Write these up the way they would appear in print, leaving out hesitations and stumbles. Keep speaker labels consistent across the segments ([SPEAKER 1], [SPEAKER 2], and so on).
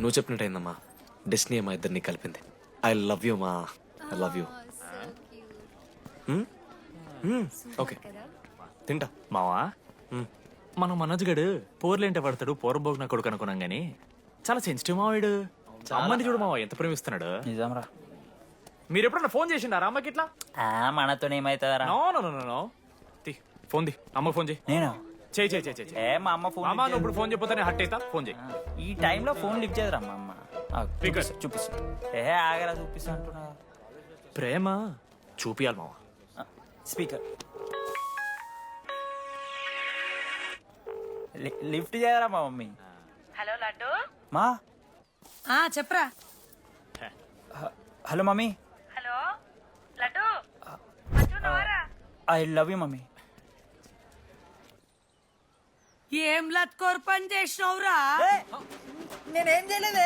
[SPEAKER 1] నువ్వు చెప్పినట్టయిందమ్మా. డెస్టినీ మా ఇద్దరిని కలిపింది. ఐ లవ్ యూ మా. I love you. ఓకే తింటా.
[SPEAKER 2] మావా మనం మనోజ్ గడు పోర్లేంటే పడతాడు పోరబోగు నా కొడుకు అనుకున్నాం గానీ చాలా సెన్సిటివ్ మావాడు. అమ్మని చూడు మావా ఎంత ప్రేమిస్తున్నాడు.
[SPEAKER 3] నిజంరా.
[SPEAKER 2] మీరు ఎప్పుడన్నా ఫోన్ చేసిండారా అమ్మకి ఇట్లా?
[SPEAKER 3] మనతో ఏమైతుందరా?
[SPEAKER 2] నో నో నో నో తి ఫోన్ ది అమ్మకి ఫోన్ చేయి.
[SPEAKER 3] నేను
[SPEAKER 2] చేయి చేయి చేయి చేయి.
[SPEAKER 3] మా అమ్మ ఫోన్
[SPEAKER 2] అమ్మ నువ్వు ఇప్పుడు ఫోన్ చెప్పితే హట్ అవుతా. ఫోన్ చేయి.
[SPEAKER 3] ఈ టైంలో ఫోన్ లిఫ్ట్ చేయదురా మా అమ్మ.
[SPEAKER 2] Speaker.
[SPEAKER 3] చూపిస్తా. ఆగరా చూపిస్తా అంటున్నా.
[SPEAKER 2] ప్రేమ చూపియాలి మావా.
[SPEAKER 3] స్పీకర్ లిఫ్ట్ చేయరా మా మమ్మీ.
[SPEAKER 4] హలో లడ్డు.
[SPEAKER 3] మా
[SPEAKER 4] చెప్పరా.
[SPEAKER 3] Hello mummy.
[SPEAKER 4] Hello Laddu.
[SPEAKER 3] I love you mummy.
[SPEAKER 4] ఏం లత్కోర్ పని చేసినవురా?
[SPEAKER 3] నేనేం చేయలేదే.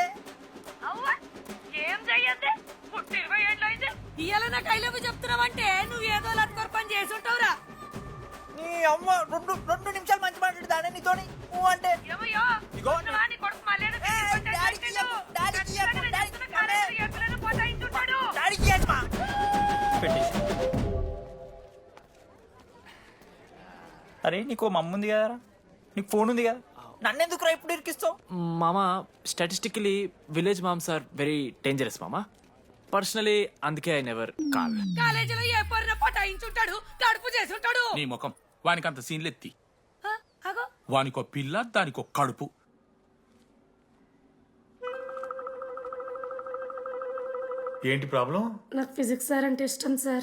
[SPEAKER 4] ఏం చెయ్యద్దే. పుట్టి 20 ఏళ్ళు అయితే ఇయ్యాల నాకు ఐ లవ్ యూ చెప్తున్నావంటే నువ్వు ఏదో లత్కోర్ పని చేసి ఉంటావురా.
[SPEAKER 3] నీ అమ్మ రెండు నిమిషాలు మంచి మాట్లాడుతానే నీతోని అంటే
[SPEAKER 4] ఏమయ్యో వస్తున్నావా? నీ కొడుకు మళ్ళీ
[SPEAKER 3] అరే నీకు మమ్మ ఉంది కదరా, నీకు ఫోన్ ఉంది కదా, నన్నెందుకు ఇప్పుడు ఇరికిస్తావు?
[SPEAKER 2] మామా statistically village moms are very dangerous మామా. పర్సనలీ అందుకే ఐ నెవర్ కాల్.
[SPEAKER 4] కాలేజీలో ఏ పొరిన పటాయించుంటాడు, కడుపు చేసి ఉంటాడు.
[SPEAKER 5] నీ ముఖం వానికంత సీన్లెత్తి.
[SPEAKER 4] అగో
[SPEAKER 5] వానికో పిల్ల దానికో కడుపు.
[SPEAKER 6] ఏంటి ప్రాబ్లం?
[SPEAKER 7] నాకు ఫిజిక్స్ సార్ అంటే ఇష్టం సార్.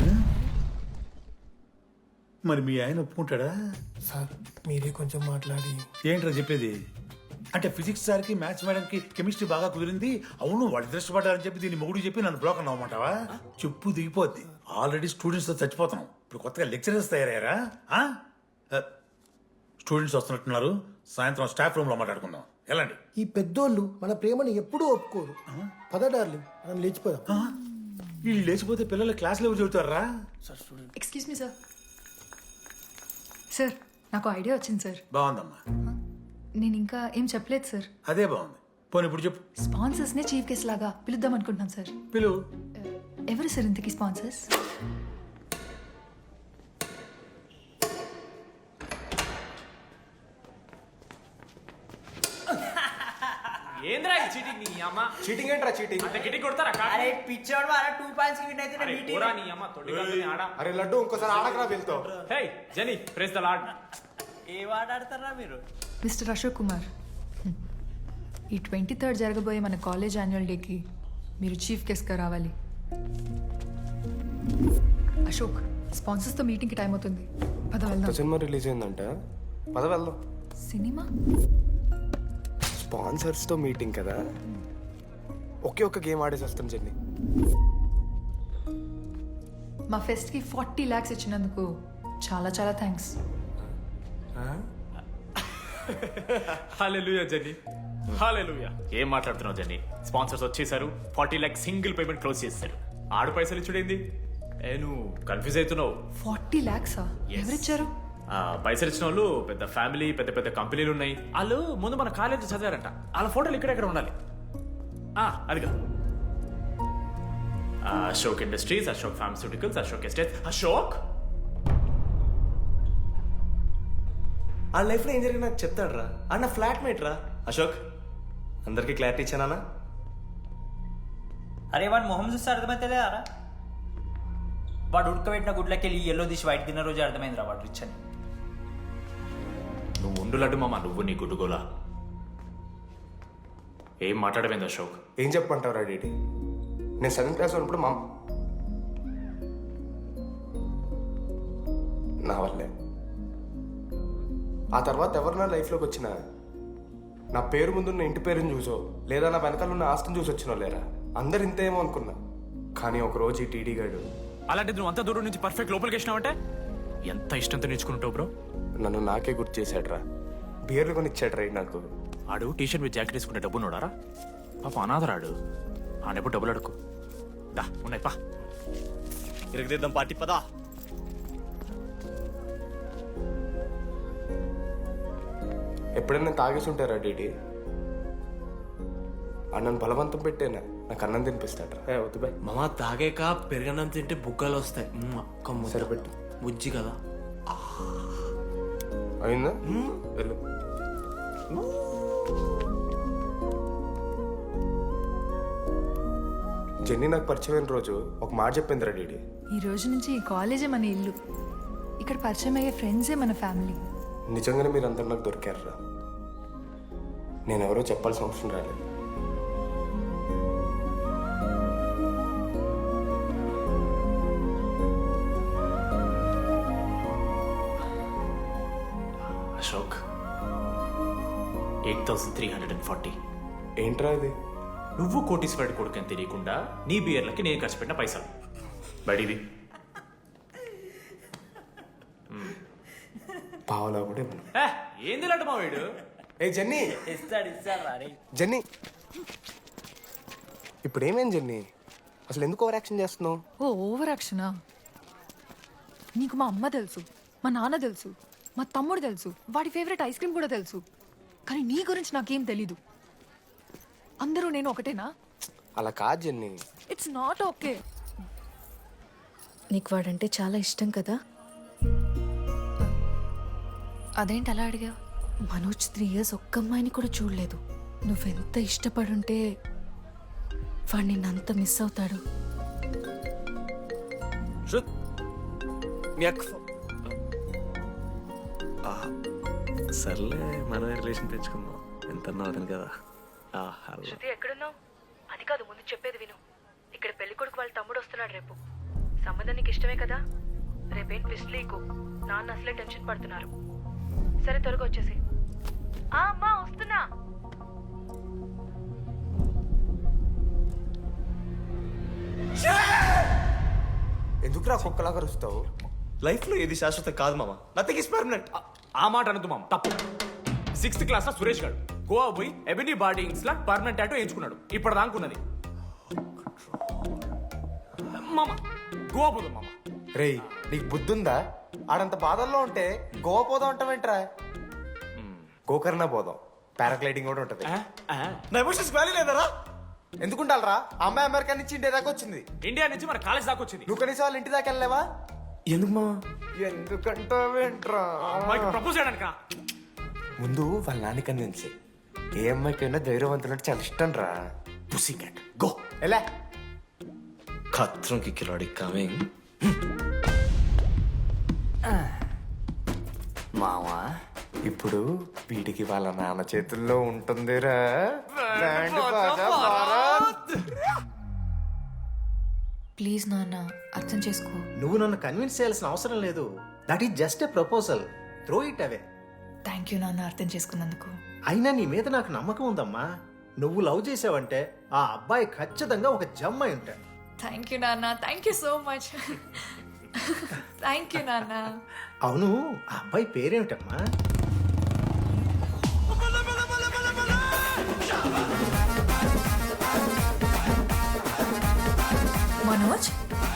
[SPEAKER 6] మరి మీ ఆయన ఒప్పుకుంటాడా?
[SPEAKER 8] సార్ మీరే కొంచెం మాట్లాడి.
[SPEAKER 6] ఏంట్రా చెప్పేది? అంటే ఫిజిక్స్ సార్కి మ్యాథ్స్ మేడంకి కెమిస్ట్రీ బాగా కుదిరింది, అవును వాళ్ళు ఇష్టపడ్డారని చెప్పి దీన్ని మొగుడు చెప్పి నన్ను బ్లాక్ అన్నమాటవా? చెప్పు దిగిపోద్ది. ఆల్రెడీ స్టూడెంట్స్తో చచ్చిపోతున్నాం, ఇప్పుడు కొత్తగా లెక్చరర్స్ తయారయ్యారా? స్టూడెంట్స్ వస్తున్నట్టున్నారు, సాయంత్రం స్టాఫ్ రూమ్లో మాట్లాడుకుందాం. ఎలాండి?
[SPEAKER 8] ఈ పెద్దోళ్ళు మన ప్రేమని ఎప్పుడూ ఒప్పుకోరు. పద డార్లింగ్ మనం లేచిపోదాం.
[SPEAKER 6] వీళ్ళు లేచిపోతే పిల్లలు క్లాస్లో ఎవరు చెబుతారా?
[SPEAKER 9] Excuse me sir. సార్ నాకు ఐడియా వచ్చింది సార్.
[SPEAKER 6] బాగుందమ్మా.
[SPEAKER 9] నేను ఇంకా ఏం చెప్పలేదు సార్.
[SPEAKER 6] అదే బాగుంది. పోనీ ఇప్పుడు చెప్పు.
[SPEAKER 9] స్పాన్సర్స్ నే చీఫ్ గెస్ట్ లాగా పిలుద్దాం అనుకుంటున్నాం సార్.
[SPEAKER 6] పిలువు.
[SPEAKER 9] ఎవరు సార్ ఇంతకీ స్పాన్సర్స్?
[SPEAKER 2] ఏంద్రా ఈ చీటింగ్ నీ అమ్మ?
[SPEAKER 8] చీటింగ్ ఏంట్రా చీటింగ్?
[SPEAKER 2] అంత గిటి కొడతారా?
[SPEAKER 3] అరే పిచ్చోడు వారా 2 పాయింట్స్ విన్ అయితే
[SPEAKER 2] అరే పోరా నీ అమ్మ తొడి గంటని ఆడ.
[SPEAKER 8] అరే లడ్డు ఇంకోసారి ఆడకరా వెళ్తావు.
[SPEAKER 2] Hey genie praise the lord.
[SPEAKER 3] ఏ వాడు ఆడతారా మీరు?
[SPEAKER 9] మిస్టర్ అశోక్ కుమార్, ఈ 23rd జరగబోయే మన కాలేజ్ యాన్యువల్ డేకి మీరు చీఫ్ గెస్ట్గా రావాలి. అశోక్, స్పాన్సర్స్తో మీటింగ్కి టైం అవుతుంది, పద వెళ్దాం.
[SPEAKER 8] సినిమా రిలీజ్ అయిందంట, పద వెళ్దాం.
[SPEAKER 9] సినిమా?
[SPEAKER 8] స్పాన్సర్స్తో మీటింగ్ కదా, ఒకే ఒక్క గేమ్ ఆడేసి వస్తాం జెన్నీ.
[SPEAKER 9] మా ఫెస్ట్కి 40 lakhs ఇచ్చినందుకు చాలా చాలా థ్యాంక్స్.
[SPEAKER 2] హల్లెలూయా జెన్నీ, హల్లెలూయా. ఏం మాట్లాడుతున్నావు జెన్నీ? స్పాన్సర్స్ వచ్చేసారు, 40 lakhs సింగిల్ పేమెంట్ క్లోజ్ చేస్తారు. ఆడు పైసలు ఇచ్చుడేంది? నువ్వు కన్ఫ్యూజ్ అవుతున్నావు.
[SPEAKER 9] 40 lakhs ఎవరిచ్చారు?
[SPEAKER 2] పైసలు ఇచ్చిన వాళ్ళు పెద్ద ఫ్యామిలీ, పెద్ద పెద్ద కంపెనీలు ఉన్నాయి. వాళ్ళు ముందు మన కాలేజ్ చదివారంట, వాళ్ళ ఫోటోలు ఇక్కడెక్కడ ఉండాలి. అదిగా Ashok industries, Ashok pharmaceuticals, Ashok estates. Ashok
[SPEAKER 10] ఆ లైఫ్లో ఏం జరిగింది నాకు చెప్తాడు రా. అన్న ఫ్లాట్ మేట్ రా అశోక్. అందరికీ క్లారిటీ ఇచ్చానా?
[SPEAKER 3] అరే వాడు మొహం చూస్తే అర్థమైతే రా. వాడు ఉడకబెట్టిన గుడ్లకి వెళ్ళి ఎల్లో తీసి వైట్ తిన్న రోజు అర్థమైంది రా వాడు రిచ్ అని.
[SPEAKER 2] నువ్వు ఉండు లడ్డు మామ, నువ్వు నీ గుడ్డుగోలా. ఏం మాట్లాడమైంది అశోక్?
[SPEAKER 8] ఏం చెప్పంటావు రా డీటీ? నేను 7th క్లాస్ ఉన్నప్పుడు నా వల్లే. ఆ తర్వాత ఎవరు నా లైఫ్లోకి వచ్చినా నా పేరు ముందున్న ఇంటి పేరుని చూసో లేదా నా వెనకాల ఉన్న ఆస్తిని చూసి వచ్చినో లేరా, అందరు ఇంతేమో అనుకున్నా. కానీ ఒకరోజు ఈ టీడీ గాడు,
[SPEAKER 2] అలాంటిది నువ్వు అంత దూరం నుంచి పర్ఫెక్ట్ లోపలికి వేసినావంటే ఎంత ఇష్టంతో నేర్చుకుంటావు బ్రో.
[SPEAKER 8] నన్ను నాకే గుర్తు చేశాడు రా. బియర్లు కొని ఇచ్చాడు రా నాకు.
[SPEAKER 2] ఆడు టీషర్ట్ మీద జాకెట్ వేసుకుంటే డబ్బు నోడారా? పాప అనాథరాడు, ఆడెప్పుడు డబ్బులు అడుకు. దా ఉన్నాయి పా,
[SPEAKER 10] ఇరగదిద్దాం పార్టీ పదా.
[SPEAKER 8] ఎప్పుడైనా తాగేసి ఉంటారా డీటీ? అన్నను బలవంతం పెట్టేనా నాకు అన్నం తినిపిస్తాడ్రా. వద్దు బాయ్.
[SPEAKER 10] మామ తాగాక పెరగన్నం తింటే బుగ్గలు వస్తాయి.
[SPEAKER 8] సరిపెట్టు.
[SPEAKER 10] బుజ్జి కదా.
[SPEAKER 8] అయిందా? వెళ్ళు. జెన్నీ నాకు పరిచయమైన రోజు ఒక మాట చెప్పిందిరా డీడీ.
[SPEAKER 9] ఈ రోజు నుంచి ఈ కాలేజే మన ఇల్లు. ఇక్కడ పరిచయం అయ్యే ఫ్రెండ్సే మన ఫ్యామిలీ.
[SPEAKER 8] నిజంగానే మీరు అందరు నాకు దొరికారురా. నేను ఎవరో చెప్పాల్సిన అవసరం రాలేదు.
[SPEAKER 2] అశోక్ 8,340.
[SPEAKER 8] ఏంట్రా ఇది?
[SPEAKER 2] నువ్వు కోటీశ్వరుడి కొడుకు అని తెలియకుండా నీ బియర్లకి నేను ఖర్చు పెట్టిన పైసలు బడివి.
[SPEAKER 8] పావలా కూడా ఇవ్వను.
[SPEAKER 2] ఏంది లాంటి మా వీడు?
[SPEAKER 8] ఏ జెన్నీ,
[SPEAKER 3] ఇస్తాడు రా.
[SPEAKER 8] జెన్నీ, ఇప్పుడు ఏమేం జెన్నీ? అసలు ఎందుకు ఓవర్ యాక్షన్ చేస్తున్నావు?
[SPEAKER 9] ఓ ఓవర్ యాక్షనా? నీకు మా అమ్మ తెలుసు, మా నాన్న తెలుసు, మా తమ్ముడు తెలుసు, వాడి ఫేవరెట్ ఐస్ క్రీమ్ కూడా తెలుసు. కానీ నీ గురించి నాకేం తెలీదు. అందరూ నేను ఒకటేనా?
[SPEAKER 8] అలా కాదు జెన్నీ.
[SPEAKER 9] It's not okay.
[SPEAKER 7] నీకు వాడంటే చాలా ఇష్టం కదా?
[SPEAKER 9] అదేంటి అలా అడిగా?
[SPEAKER 7] మనోజ్ 3 years ఒక్క అమ్మాయిని కూడా చూడలేదు. నువ్వెంత ఇష్టపడుంటే వాడు నిన్నంత మిస్ అవుతాడు.
[SPEAKER 1] శృత్, మీ అక్క సర్లే, మనమే రిలేషన్ తెచ్చుకుందాం. ఎంత అవుతుంది కదా.
[SPEAKER 4] శృతి ఎక్కడున్నావు? అది కాదు, ముందు చెప్పేది విను. ఇక్కడ పెళ్లి కొడుకు వాళ్ళ తమ్ముడు వస్తున్నాడు రేపు. సంబంధం నీకు ఇష్టమే కదా? రేపేం ట్విస్ట్ లీకు. నాన్న అసలే టెన్షన్ పడుతున్నారు. సరే త్వరగా వచ్చేసి. అమ్మా వస్తున్నా.
[SPEAKER 8] ఎందుకురా కుక్కలాగా రుస్తావు?
[SPEAKER 10] లైఫ్లో ఏది శాశ్వతం కాదు మామ. Nothing is permanent.
[SPEAKER 2] ఆ మాట అనదు మామ, తప్పు. 6th క్లాస్ లో సురేష్ గారు గోవా పోయి ఎబినీ బార్డింగ్స్ లా పర్మనెంట్ టాటూ వేయించుకున్నాడు. ఇప్పటిదానుకున్నది మామ. గోవా పోదాం మామ.
[SPEAKER 8] రేయ్, నీకు బుద్ధుందా? ఆడంత బాధల్లో ఉంటే గోవా పోదాం అంటావేంట్రా? గోకర్ణ పోదాం, పారాగ్లైడింగ్ కూడా ఉంటది.
[SPEAKER 10] నా ఎమోషన్స్ వాల్యూ లేదరా?
[SPEAKER 8] ఎందుకుంటారా? అమ్మాయి అమెరికా నుంచి ఇండియా దాకా వచ్చింది.
[SPEAKER 2] ఇండియా నుంచి మన కాలేజ్ దాకా వచ్చింది.
[SPEAKER 8] నువ్వు కనీసం వాళ్ళ ఇంటి దాకా వెళ్ళలేవా?
[SPEAKER 10] ఎందుకు మామ?
[SPEAKER 8] ఎందుకంటావేంట్రా?
[SPEAKER 2] అమ్మాయికి ప్రపోజ్ చేయడానికి.
[SPEAKER 8] ముందు వాళ్ళ నాన్న కన్విన్స్. ఏ అమ్మాయికైనా ధైర్యవంతులంటే చాలా ఇష్టం రా.
[SPEAKER 2] Pussy cat go.
[SPEAKER 8] ఎలా?
[SPEAKER 1] ఖత్రం కి కిలాడి కమింగ్.
[SPEAKER 8] మావా, ఇప్పుడు వీడికి వాళ్ళ నాన్న చేతుల్లో ఉంటుందిరా. బ్యాండ్ బాజా భారత్.
[SPEAKER 9] ప్లీజ్ నాన్న, అర్థం చేసుకో.
[SPEAKER 11] నువ్వు నన్ను కన్విన్స్ చేయాల్సిన అవసరం లేదు. That is just a proposal. Throw it away.
[SPEAKER 9] Thank you నాన్న, అర్థం చేసుకున్నందుకు.
[SPEAKER 11] అయినా నీ మీద నాకు నమ్మకం ఉందమ్మా. నువ్వు లవ్ చేసావంటే ఆ అబ్బాయి ఖచ్చితంగా ఒక జమ్మాయి ఉంటాడు.
[SPEAKER 9] థ్యాంక్ యూ నాన్న, thank you so much. Thank you నాన్న.
[SPEAKER 11] అవును, ఆ అబ్బాయి పేరేమిటమ్మా?
[SPEAKER 9] మనోజ్.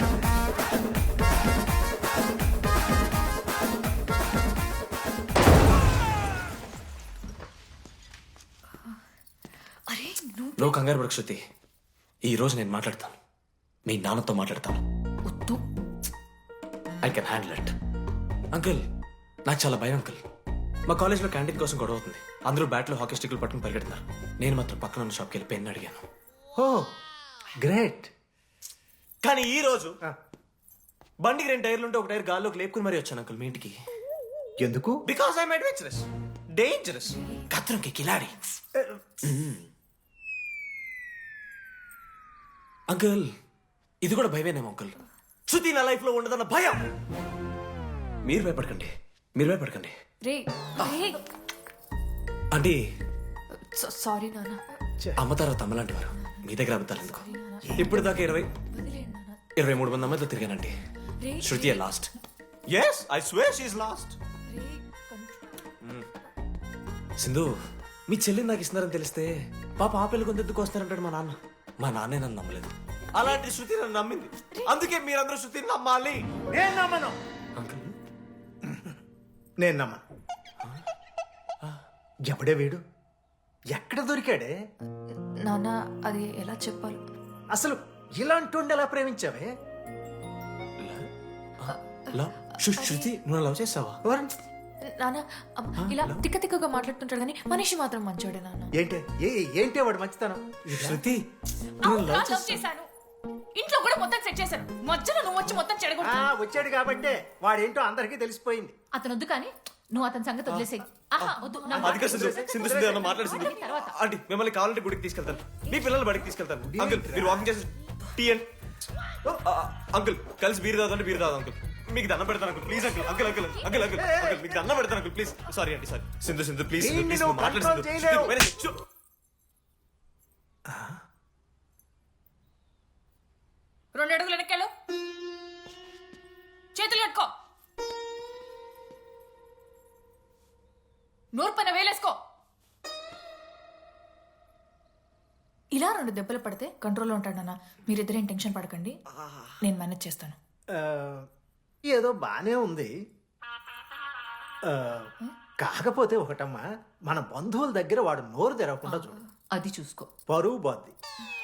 [SPEAKER 9] అరే
[SPEAKER 1] నువ్వు కంగారు పడకు శృతి. ఈ రోజు నేను మాట్లాడతాను, మీ నాన్నతో మాట్లాడతాను.
[SPEAKER 9] వద్దు.
[SPEAKER 1] I can handle it. Uncle, నాకు చాలా భయం అంకుల్. మా కాలేజ్లో క్యాంటీన్ కోసం గొడవ అవుతుంది. అందరూ బ్యాట్లో హాకీ స్టిక్లు పట్టుకుని పరిగెడుతున్నారు. నేను మాత్రం పక్కన ఉన్న షాప్కి వెళ్ళి పెన్ అడిగాను.
[SPEAKER 11] Oh great.
[SPEAKER 10] కానీ ఈ రోజు బండికి 2 టైర్లు ఉంటే ఒక టైర్ గాల్లోకి లేపుకుని మరీ వచ్చాను అంకుల్ మీ ఇంటికి.
[SPEAKER 11] ఎందుకు?
[SPEAKER 10] Because I'm adventurous, dangerous.
[SPEAKER 1] కత్రంకి కిలాడి. అంకుల్, ఇది కూడా భయమేనేమో అంకుల్.
[SPEAKER 10] శృతి నా లైఫ్ లో ఉండదన్న భయం.
[SPEAKER 1] మీరు భయపడకండి, మీరు భయపడకండి.
[SPEAKER 9] రే రే.
[SPEAKER 1] అంటే
[SPEAKER 9] సారీ నాన్న.
[SPEAKER 1] అమ్మ తర్వాత అమ్మ లాంటి వారు. మీ దగ్గర అబద్ధాలు ఎందుకు? ఇప్పుడు దాకా 23 మంది అమ్మాయితో తిరిగానండి. Shruti last.
[SPEAKER 10] Yes, I swear she's lost.
[SPEAKER 1] Sindhu, మీ చెల్లిని నాకు ఇస్తున్నారని తెలిస్తే పాప ఆ పిల్ల కొంతెత్తుకు వస్తారంటాడు మా నాన్న. మా నాన్నే నన్ను నమ్మలేదు.
[SPEAKER 10] అలాంటి శృతి నన్ను నమ్మింది. అందుకే మీరందరూ శృతిని నమ్మాలి.
[SPEAKER 11] నేను నమ్మను.
[SPEAKER 1] అంకుల్,
[SPEAKER 11] నేను నమ్మను. ఎవడే వీడు? ఎక్కడ దొరికాడే?
[SPEAKER 9] నాన్న అది ఎలా చెప్పాలి?
[SPEAKER 11] అసలు ఇలాంటి ఎలా ప్రేమించావే?
[SPEAKER 1] లవ్ శృతి నువ్వు లవ్ చేస్తావా?
[SPEAKER 9] నాన్న ఇలా తిక్క తిక్కగా మాట్లాడుతుంటాడు కానీ మనిషి మాత్రం మంచోడే నాన్న.
[SPEAKER 11] ఏంటే వాడు మంచితనం?
[SPEAKER 1] శృతి
[SPEAKER 9] లవ్ చేశాను, ఇంట్లో కూడా మొత్తం సెట్ చేశాను, మధ్యలో నువ్వు వచ్చి మొత్తం చెడగొట్టు.
[SPEAKER 11] వచ్చాడు కాబట్టే వాడేంటో అందరికీ తెలిసిపోయింది.
[SPEAKER 9] అతను వద్దు కానీ నువ్వు అతని సంగతి వదిలేసేయి. ఆహా వద్దు, నా
[SPEAKER 1] అది కాదు సింధు, సింధు సింధు అన్న మాట్లాడు సింధు.
[SPEAKER 9] తర్వాత.
[SPEAKER 1] ఆంటీ మిమ్మల్ని కావాలంటే గుడికి తీసుకెళ్తాను, మీ పిల్లలు బడికి తీసుకెళ్తాను. అంకుల్ మీరు వాకింగ్ చేసి టీ అండ్ అంకుల్ కలిసి బీర్ తాగుతుంటే బీర్ తాగు అంకుల్. మీకు దండం పెడతాను uncle please uncle. Uncle uncle uncle uncle uncle మీకు దండం పెడతాను అంకుల్ ప్లీజ్. సారీ అండి sorry. Sindhu Sindhu please Sindhu please మాట్లాడు సింధు.
[SPEAKER 9] రెండు అడుగులు వెనక్కాలు, చేతులు కట్టుకో, నూరు పైన వేలేసుకో. ఇలా 2 దెబ్బలు పడితే కంట్రోల్లో ఉంటాడన్నా. మీరిద్దరేం టెన్షన్ పడకండి, నేను మేనేజ్ చేస్తాను.
[SPEAKER 11] ఏదో బానే ఉంది. కాకపోతే ఒకటమ్మా, మన బంధువుల దగ్గర వాడు నోరు తెరవకుండా చూడు,
[SPEAKER 9] అది చూసుకో.
[SPEAKER 11] పరువు బాద్ది.